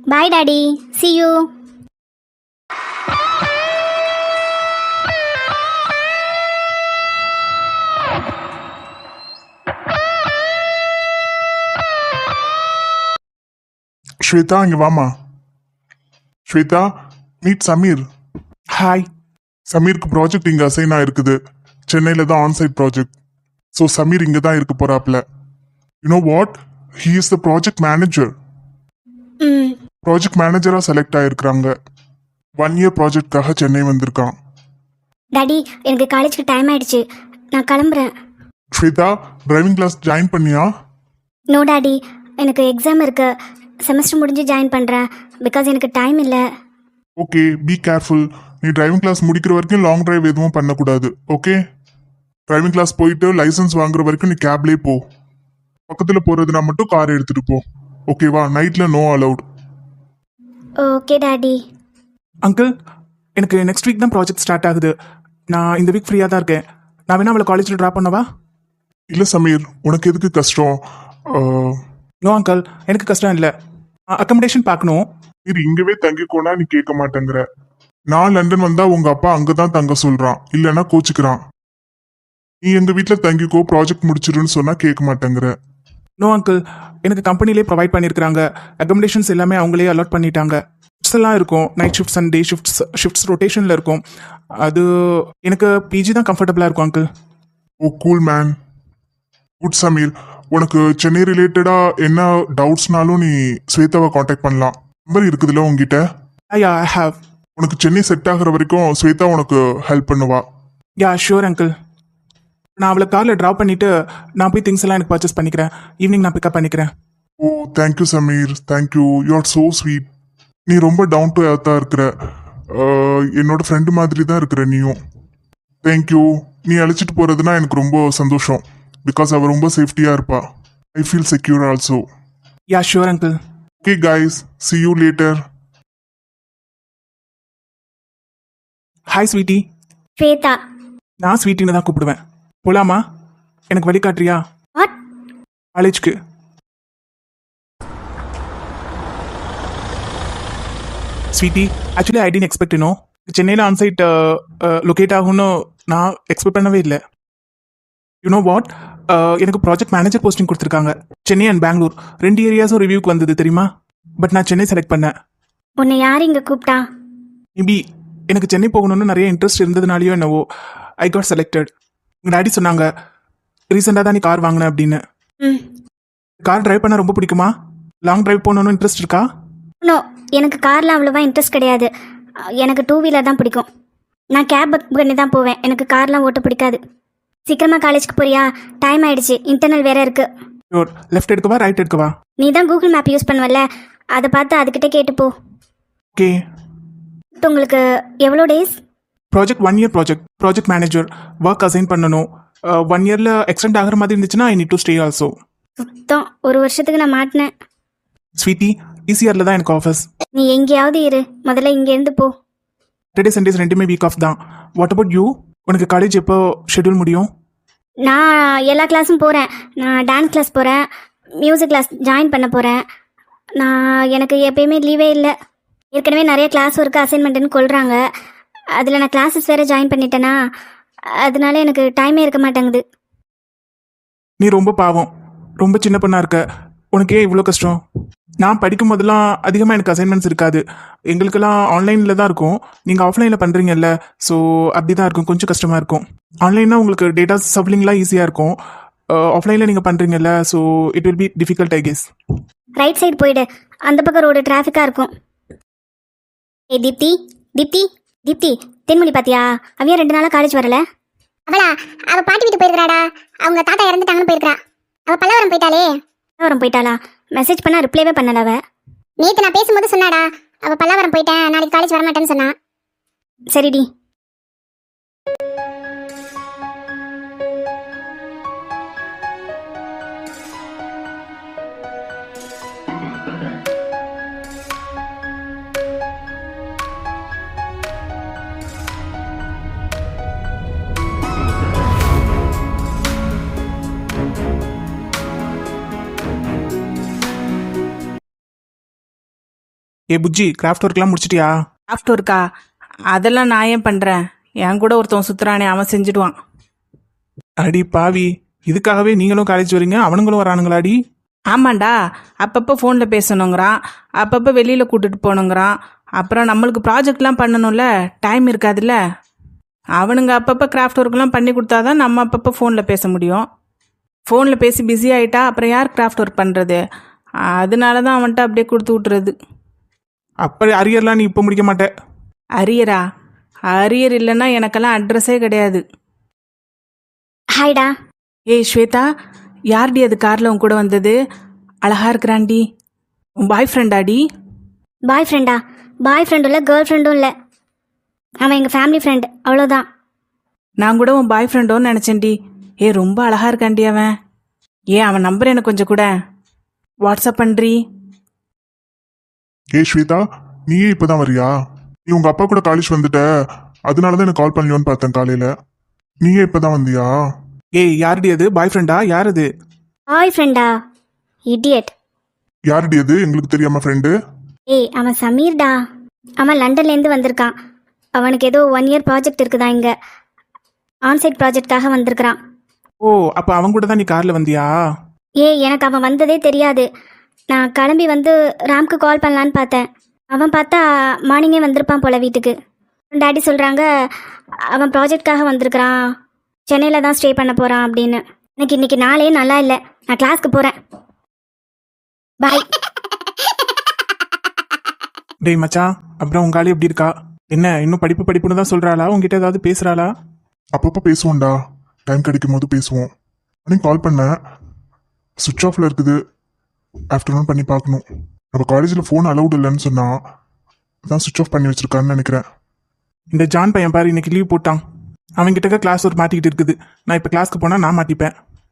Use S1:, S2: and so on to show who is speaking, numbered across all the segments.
S1: Bye daddy, see you.
S2: Shweta இங்க வாமா. Shweta, meet Sameer.
S3: Hi.
S2: சமீருக்கு ப்ராஜெக்ட் இங்க அசைன் ஆயிருக்குது. சென்னையில தான் ஆன்சைட் ப்ராஜெக்ட். ஸோ சமீர் இங்க தான் இருக்க போறாப்ல. You what, he is the project manager.
S1: ம்.
S2: ப்ராஜெக்ட் மேனேஜரா செலக்ட் ஆயிருக்கிறாங்க. 1 year ப்ராஜெக்ட்காக சென்னை வந்திருக்கான்.
S1: டாடி, எனக்கு காலேஜுக்கு டைம் ஆயிடுச்சு, நான் கிளம்புறேன்.
S2: ஸ்வேதா, டிரைவிங் கிளாஸ் ஜாயின் பண்ணியா?
S1: நோ டாடி, எனக்கு எக்ஸாம் இருக்கு. செமஸ்டர் முடிஞ்சு ஜாயின் பண்ணுறேன். பிகாஸ் எனக்கு டைம் இல்லை.
S2: Okay, be careful. நீ டிரைவிங் கிளாஸ் முடிக்கிற வரைக்கும் லாங் டிரைவ் எதுவும் பண்ணக்கூடாது. ஓகே, டிரைவிங் கிளாஸ் போயிட்டு லைசன்ஸ் வாங்குற வரைக்கும் நீ கேப்லேயே போ. பக்கத்தில் போகிறதுனா மட்டும் கார் எடுத்துகிட்டு போ. ஓகேவா? நைட்டில் no allowed.
S1: Okay daddy.
S3: Uncle, எனக்கு நெக்ஸ்ட் வீக் தான் ப்ராஜெக்ட் ஸ்டார்ட் ஆகுது. நான் இந்த வீக் ஃப்ரீயாக தான் இருக்கேன். நான் வேணா அவளை காலேஜில் ட்ராப் பண்ணவா?
S2: இல்லை சமீர், உனக்கு எதுக்கு கஷ்டம்?
S3: நோ அங்கிள், எனக்கு கஷ்டம் இல்லை. அக்கமடேஷன் பார்க்கணும்.
S2: சரி, இங்கவே தங்கிக்கோனா நீ கேட்க மாட்டேங்கிற. நான் லண்டன் வந்தா உங்க அப்பா அங்கதான் தங்க சொல்றான், இல்லைன்னா கோச்சுக்கிறான். நீ எங்க வீட்டுல தங்கிக்கோ, ப்ராஜெக்ட் முடிச்சிருன்னு சொன்னா கேட்க மாட்டேங்கிற.
S3: நோ அங்கிள், எனக்கு கம்பெனிலே ப்ரொவைட் பண்ணியிருக்காங்க. அக்கமடேஷன்ஸ் எல்லாமே அவங்களே அலாட் பண்ணிட்டாங்க. ஷிஃப்ட்ஸ் எல்லாம் இருக்கும். Night shifts and day shifts ரொட்டேஷனில் இருக்கும். அது எனக்கு பிஜி தான் கம்ஃபர்டபுளாக இருக்கும் uncle.
S2: Oh cool man. Good Sameer, உனக்கு சென்னை ரிலேட்டடா என்ன டவுட்ஸ்னாலும் நீ ஸ்வேதாவை காண்டாக்ட் பண்ணலாம். நம்பர் இருக்குதுல்ல உங்ககிட்ட?
S3: Yeah, I have.
S2: உனக்கு சென்னை செட் ஆகுற வரைக்கும் ஸ்வேதா உனக்கு ஹெல்ப் பண்ணுவா.
S3: Yeah sure uncle. நான் அவளை காரில் ட்ராப் பண்ணிவிட்டு நான் போய் திங்ஸ் எல்லாம் எனக்கு பர்ச்சேஸ் பண்ணிக்கிறேன். ஈவினிங் நான் பிக்கப் பண்ணிக்கிறேன்.
S2: Oh thank you Sameer, thank you. You are so sweet. நீ ரொம்ப டவுன் டு எர்த்தாக இருக்கிற. என்னோட ஃப்ரெண்டு மாதிரி தான் இருக்கிற நீயும். தேங்க்யூ. நீ அழைச்சிட்டு போகிறதுனா எனக்கு ரொம்ப சந்தோஷம். பிகாஸ் அவள் ரொம்ப சேஃப்டியாக இருப்பா. I feel secure also.
S3: Yeah sure uncle.
S2: Okay guys, see you later.
S3: Hi sweetie.
S1: Shweta.
S3: நான் ஸ்வீட்டின்னு தான் கூப்பிடுவேன். போலாமா? எனக்கு வழி காட்டுறியா
S1: வாட்?
S3: காலேஜ்க்கு. Sweetie, actually I didn't expect இன்னும் சென்னையில் ஆன்சைட் லொக்கேட் ஆகும்னு நான் எக்ஸ்பெக்ட் பண்ணவே இல்லை. யூனோ வாட், எனக்கு ப்ராஜெக்ட் மேனேஜர் போஸ்டிங் கொடுத்துருக்காங்க. சென்னை அண்ட் பெங்களூர் 2 ஏரியாஸும் ரிவ்யூக்கு வந்தது தெரியுமா? பட் நான் சென்னை செலக்ட் பண்ணேன்.
S1: உன்னை யார் இங்கே கூப்பிட்டா?
S3: மேபி எனக்கு சென்னை போகணுன்னு நிறைய இன்ட்ரெஸ்ட் இருந்ததுனாலையோ என்னவோ ஐ காட் செலக்டட். எங்கள் டாடி சொன்னாங்க ரீசெண்டாக தான் நீ கார் வாங்கினேன் அப்படின்னு.
S1: ம்.
S3: கார் டிரைவ் பண்ண ரொம்ப பிடிக்குமா? லாங் டிரைவ் போகணுன்னு இன்ட்ரெஸ்ட் இருக்கா?
S1: நோ, எனக்கு காரில் அவ்வளோவா இன்ட்ரெஸ்ட் கிடையாது. எனக்கு 2 வீலர் தான் பிடிக்கும். நான் கேப் புக் பண்ணி தான் போவேன். எனக்கு கார்லாம் ஓட்ட பிடிக்காது. சீக்கிரமாக காலேஜுக்கு போறியா? டைம் ஆயிடுச்சு, இன்டர்னல் வேற இருக்கு.
S3: ஷோர். லெஃப்ட் எடுக்கவா ரைட் எடுக்கவா?
S1: நீ தான் கூகுள் மேப் யூஸ் பண்ணுவல்ல, அதை பார்த்து அதுக்கிட்ட கேட்டுப்போ.
S3: ஓகே.
S1: உங்களுக்கு எவ்வளோ days?
S3: Project 1 year project manager work assign பண்ணணும். 1 yearல எக்ஸ்டெண்ட் ஆகிற மாதிரி இருந்துச்சுன்னா I need to stay also.
S1: சுத்தம் 1 வருஷத்துக்கு நான் மாட்டினேன்.
S3: ஸ்வீட்டி, ஈசிஆரில் தான் எனக்கு ஆஃபீஸ்.
S1: நீ எங்கேயாவது இரு, முதல்ல இங்கேருந்து போ.
S3: சாட்டர்டே சண்டேஸ் 2மே வீக் ஆஃப் தான். What about you? உனக்கு காலேஜ் எப்போ ஷெட்யூல் முடியும்?
S1: நான் எல்லா கிளாஸும் போகிறேன். நான் டான்ஸ் கிளாஸ் போகிறேன், மியூசிக் கிளாஸ் ஜாயின் பண்ண போகிறேன். எனக்கு எப்பயுமே லீவே இல்லை. ஏற்கனவே நிறைய கிளாஸ் ஒர்க்கு அசைன்மெண்ட்டுன்னு கொள்கிறாங்க. அதில் நான் கிளாஸஸ் வேறு ஜாயின் பண்ணிட்டேன்னா அதனால எனக்கு டைமே இருக்க மாட்டேங்குது.
S3: நீ ரொம்ப பாவம், ரொம்ப சின்ன பொண்ணாக இருக்க. உனக்கு ஏன் இவ்வளோ கஷ்டம்? நான் படிக்கும் போதெல்லாம் அதிகமாக எனக்கு அசைன்மெண்ட்ஸ் இருக்காது. எங்களுக்கெல்லாம் ஆன்லைனில் தான் இருக்கும். நீங்கள் ஆஃப்லைனில் பண்ணுறீங்கல்ல, ஸோ அப்படி தான் இருக்கும். கொஞ்சம் கஷ்டமாக இருக்கும். ஆன்லைன்னா உங்களுக்கு டேட்டா சப்லிங்லாம் ஈஸியாக இருக்கும். ஆஃப்லைனில் நீங்கள் பண்ணுறீங்கல்ல, so it will be difficult I guess.
S1: Right side போயிடு, அந்த பக்கம் ரோடு டிராஃபிக்காக இருக்கும். ஏ தீப்தி, தீப்தி, தீப்தி, தென்மொழி பாத்தியா? அவையா 2 நாளாக காலேஜ் வரல.
S4: அவளா? அவ பாட்டி வீட்டு போயிருக்காடா. அவங்க தாத்தா இறந்துட்டாங்கன்னு போயிருக்கா. அவ பல்லவரம் போயிட்டாளே.
S1: பல்லாவரம் போயிட்டாளா? மெசேஜ் பண்ணா ரிப்ளைவே பண்ணல அவ.
S4: நேத்து நான் பேசும்போது சொன்னாடா, அவ பல்லவரம் போயிட்டேன், நாளைக்கு காலேஜ் வரமாட்டேன்னு சொன்னா.
S1: சரிடி.
S3: ஏ புஜ்ஜி கிராஃப்ட் ஒர்க்லாம் முடிச்சிட்டியா?
S5: கிராஃப்ட் ஒர்க்கா? அதெல்லாம் நான் ஏன் பண்ணுறேன்? என் கூட ஒருத்தன் சுற்றுறானே, அவன் செஞ்சுடுவான்.
S3: அடி பாவி, இதுக்காகவே நீங்களும் காலேஜ் வரீங்க, அவனுங்களும் வரானுங்களாடி?
S5: ஆமாண்டா, அப்பப்போ ஃபோனில் பேசணுங்கிறான், அப்பப்போ வெளியில் கூட்டிட்டு போகணுங்கிறான். அப்புறம் நம்மளுக்கு ப்ராஜெக்ட்லாம் பண்ணணும்ல, டைம் இருக்காதுல்ல. அவனுங்க அப்பப்போ கிராஃப்ட் ஒர்க்லாம் பண்ணி கொடுத்தாதான் நம்ம அப்பப்போ ஃபோனில் பேச முடியும். ஃபோனில் பேசி பிஸி ஆகிட்டா அப்புறம் யார் கிராஃப்ட் ஒர்க் பண்ணுறது? அதனால தான் அவன்கிட்ட அப்படியே கொடுத்து விட்டுறது.
S3: அப்படி அரியர்லாம் நீ இப்போ முடிக்க மாட்டே.
S5: அரியரா? அரியர் இல்லைன்னா எனக்கெல்லாம் அட்ரஸே கிடையாது.
S1: ஹாய்டா.
S5: ஏய் ஸ்வேதா, யார்டி அது காரில் உன் கூட வந்தது? அழகா இருக்கிறான்டி. உன் பாய் ஃப்ரெண்டாடி?
S1: பாய் ஃப்ரெண்டா? பாய் ஃப்ரெண்டும் இல்லை, கேர்ள் ஃப்ரெண்டும் இல்லை. அவன் எங்கள் ஃபேமிலி ஃப்ரெண்ட், அவ்வளோதான்.
S5: நான் கூட உன் பாய் ஃப்ரெண்டோன்னு நினச்சேன்டி. ஏ ரொம்ப அழகா இருக்கான்டி அவன். ஏன் அவன் நம்பர் எனக்கு கொஞ்சம் கூட வாட்ஸ்அப் பண்ணுறீ?
S2: ஏ ஸ்வேதா, நீயே இப்பதான் வரியா? நீ உங்க அப்பா கூட காலேஜ் வந்துட்ட, அதனாலதான் எனக்கு கால் பண்ணலையோன்னு பார்த்தேன் காலையில. நீயே இப்பதான் வந்தியா?
S3: ஏய் யாருடி அது? பாய் ஃப்ரெண்டா? யார் அது?
S1: பாய் ஃப்ரெண்டா? இடியட்.
S2: யாருடி அது? எங்களுக்கு தெரியாம ஃப்ரெண்டு?
S1: ஏய் அவன் சமீர்டா. அவன் லண்டன்லேருந்து வந்திருக்கான். அவனுக்கு ஏதோ 1 இயர் ப்ராஜெக்ட் இருக்குதா இங்கே. ஆன்சைட் ப்ராஜெக்டாக வந்திருக்கிறான்.
S3: ஓ, அப்போ அவங்க கூட தான் நீ காரில் வந்தியா?
S1: ஏய் எனக்கு அவன் வந்ததே தெரியாது. நான் கிளம்பி வந்து ராம்க்கு கால் பண்ணலான்னு பார்த்தேன். அவன் பார்த்தா மார்னிங்கே வந்திருப்பான் போல வீட்டுக்கு. டாடி சொல்கிறாங்க அவன் ப்ராஜெக்ட்காக வந்திருக்கிறான், சென்னையில் தான் ஸ்டே பண்ண போகிறான் அப்படின்னு. எனக்கு இன்னைக்கு நாளே நல்லா இல்லை, நான் கிளாஸ்க்கு போகிறேன். பாய்.
S3: டேய் மச்சான், அப்புறம் உங்க ஆளு எப்படி இருக்கா? என்ன இன்னும் படிப்புன்னு தான் சொல்றாளா? உங்ககிட்ட ஏதாவது பேசுறாளா?
S2: அப்பப்போ பேசுவோம்டா, டைம் கிடைக்கும் போது பேசுவோம். அன்னைக்கு கால் பண்ணேன், சுவிட்ச் ஆஃப்ல இருக்குது. ஆஃப்டர்நூன் பண்ணி பார்க்கணும். நம்ம காலேஜில் ஃபோன் அலௌட் இல்லைன்னு சொன்னா அதான் சுவிட்ச் ஆஃப் பண்ணி வச்சிருக்கான்னு நினைக்கிறேன்.
S3: இந்த ஜான் பையன் பாரு, இன்னைக்கு லீவ் போட்டான். அவன்கிட்ட கிளாஸ் ஒரு மாட்டிக்கிட்டு இருக்குது. நான் இப்போ கிளாஸ்க்கு போனால் நான் மாட்டிப்பேன்.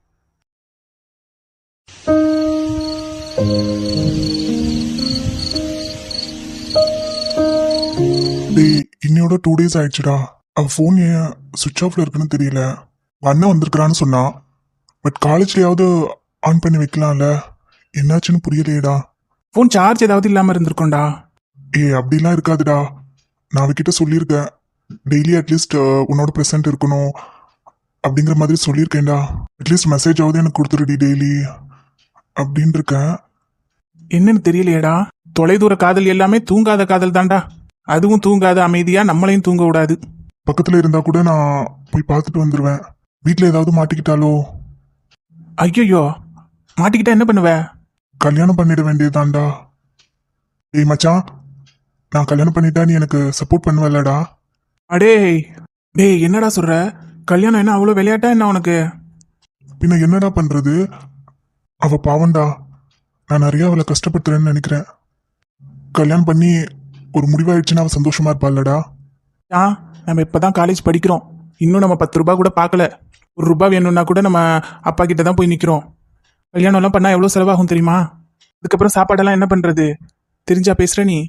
S2: டேய் இன்னையோட 2 days ஆயிடுச்சுடா. அவன் ஃபோன் ஏன் சுவிட்ச் ஆஃப்ல இருக்குன்னு தெரியல. உங்க அண்ணன் வந்திருக்கிறான்னு சொன்னான், பட் காலேஜ்லயாவது ஆன் பண்ணி வைக்கலாம்ல. என்னாச்சுன்னு புரியலையேடா.
S3: ஃபோன் சார்ஜ் ஏதாவது இல்லாமல் இருந்திருக்கோண்டா.
S2: ஏய் அப்படிலாம் இருக்காதுடா, நான் அவகிட்ட சொல்லியிருக்கேன். டெய்லி அட்லீஸ்ட் உன்னோட ப்ரெசென்ட் இருக்கணும் அப்படிங்கிற மாதிரி சொல்லியிருக்கேன்டா. அட்லீஸ்ட் மெசேஜ் ஆகுது எனக்கு கொடுத்துருடி டெய்லி அப்படின்னு இருக்கேன்.
S3: என்னன்னு தெரியலையேடா. தொலைதூர காதல் எல்லாமே தூங்காத காதல் தான்டா. அதுவும் தூங்காத அமைதியா நம்மளையும் தூங்க விடாது.
S2: பக்கத்துல இருந்தா கூட நான் போய் பார்த்துட்டு வந்துடுவேன். வீட்டில் ஏதாவது மாட்டிக்கிட்டாலோ?
S3: ஐயோ, மாட்டிக்கிட்டா என்ன பண்ணுவ?
S2: கல்யாணம் பண்ணிட வேண்டியதுதான்டா. டேய் மச்சான், நான் கல்யாணம் பண்ணிட்டா நீ எனக்கு சப்போர்ட் பண்ணுவல்லடா?
S3: டேய் என்னடா சொல்ற? கல்யாணம் என்ன அவ்வளோ விளையாட்டா என்ன உனக்கு?
S2: பின்ன என்னடா பண்றது? அவ பாவண்டா, நான் நிறைய அவளை கஷ்டப்படுத்துறேன்னு நினைக்கிறேன். கல்யாணம் பண்ணி ஒரு முடிவாயிடுச்சுன்னா அவ சந்தோஷமா இருப்பாள்லடா.
S3: நம்ம இப்பதான் காலேஜ் படிக்கிறோம். இன்னும் நம்ம 10 ரூபாய் கூட பார்க்கல. 1 ரூபாய் வேணும்னா கூட நம்ம அப்பா கிட்ட தான் போய் நிற்கிறோம். கல்யாணம்லாம் பண்ணா எவ்வளோ செலவாகும் தெரியுமா? அதுக்கப்புறம் சாப்பாடெல்லாம் என்ன பண்றது? தெரிஞ்சா பேசுற நீ?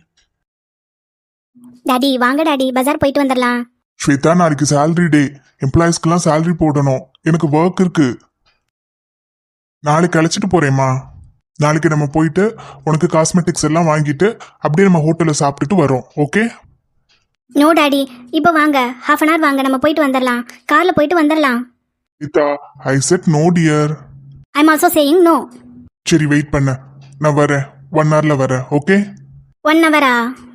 S1: டாடி வாங்க டாடி, பஜார் போயிட்டு வந்துடலாம்.
S2: ஸ்வேதா, நாளைக்கு சேலரி டே. எம்ப்ளாயிஸ்க்கெல்லாம் சேலரி போடணும். எனக்கு ஒர்க் இருக்கு. நாளைக்கு அழைச்சிட்டு போறேம்மா. நாளைக்கு நம்ம போயிட்டு உனக்கு காஸ்மெட்டிக்ஸ் எல்லாம் வாங்கிட்டு அப்படியே நம்ம ஹோட்டலில் சாப்பிட்டுட்டு வரோம். ஓகே?
S1: நோ டாடி, இப்போ வாங்க, 1/2 அன் ஹவர் வாங்க, நம்ம போயிட்டு வந்துடலாம். காரில் போயிட்டு வந்துடலாம்.
S2: Shweta, I said no dear.
S1: I am also saying no.
S2: சரி வெயிட் பண்ண, நான் வரேன். 1 ஹவர்ல வரேன். ஓகே?
S1: 1 ஹவரா?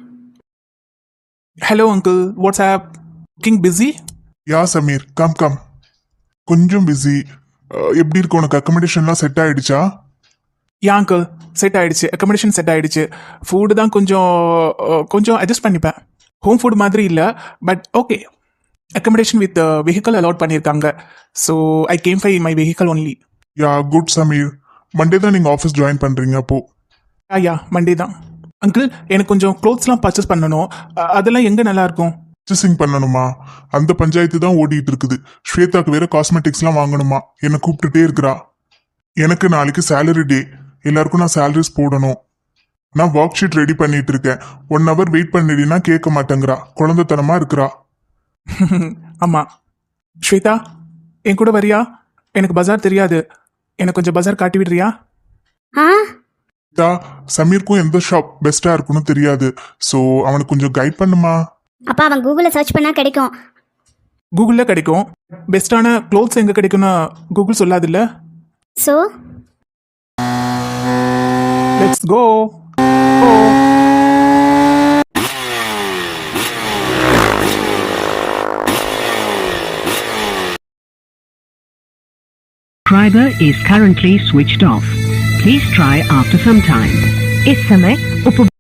S3: Hello uncle, what's up cooking busy?
S2: Yeah Sameer, come come. கொஞ்சம் பிஸி. எப்படி இருக்கு உனக்கு? அக்கமடேஷன்லாம் செட் ஆயிடுச்சா?
S3: யா அங்கிள், செட் ஆயிடுச்சு. அக்கமடேஷன் செட் ஆயிடுச்சு. ஃபுட்டு தான் கொஞ்சம் அட்ஜஸ்ட் பண்ணிப்பேன். ஹோம் ஃபுட் மாதிரி இல்லை, but okay. Accommodation with vehicle allot பண்ணியிருக்காங்க. So I came by my vehicle only.
S2: Yeah good Sameer. Monday தான் நீங்கள் ஆஃபீஸ் ஜாயின் பண்ணுறீங்க அப்போ?
S3: யா மண்டே தான். அங்கிள், எனக்கு கொஞ்சம் க்ளோத்ஸ்லாம் பர்ச்சேஸ் பண்ணணும். அதெல்லாம் எங்கே நல்லா இருக்கும்?
S2: பர்ச்சேசிங் பண்ணணுமா? அந்த பஞ்சாயத்து தான் ஓடிட்டு இருக்குது. ஸ்வேதாக்கு வேற காஸ்மெட்டிக்ஸ்லாம் வாங்கணுமா, என்னை கூப்பிட்டுட்டே இருக்கிறா. எனக்கு நாளைக்கு சேலரி டே. எல்லாருக்கும் நான் சேலரிஸ் போடணும். நான் ஒர்க் ஷீட் ரெடி பண்ணிட்டு இருக்கேன். 1 ஹவர் வெயிட் பண்ணிடினா கேட்க மாட்டேங்கிறா. குழந்தைத்தனமா இருக்கிறா.
S3: ஆமாம். ஸ்வேதா, என் கூட வரியா? எனக்கு பஜார் தெரியாது. எனக்கு கொஞ்சம் பஜார் காட்டி விடுறியா?
S1: ஆ
S2: சமீருக்கும் எந்த ஷாப் பெஸ்டா இருக்குன்னு தெரியாது. ஸோ அவனுக்கு கொஞ்சம் கைட் பண்ணுமா?
S1: அப்பா அவன் கூகுளில் சர்ச் பண்ணால் கிடைக்கும்.
S3: கூகுளில் கிடைக்கும். பெஸ்ட்டான க்ளோத்ஸ் எங்கே கிடைக்கும்னு கூகுள் சொல்லாதுல்ல.
S1: So
S3: let's go.
S6: Subscriber is currently switched off. Please try after some time.
S7: इस समय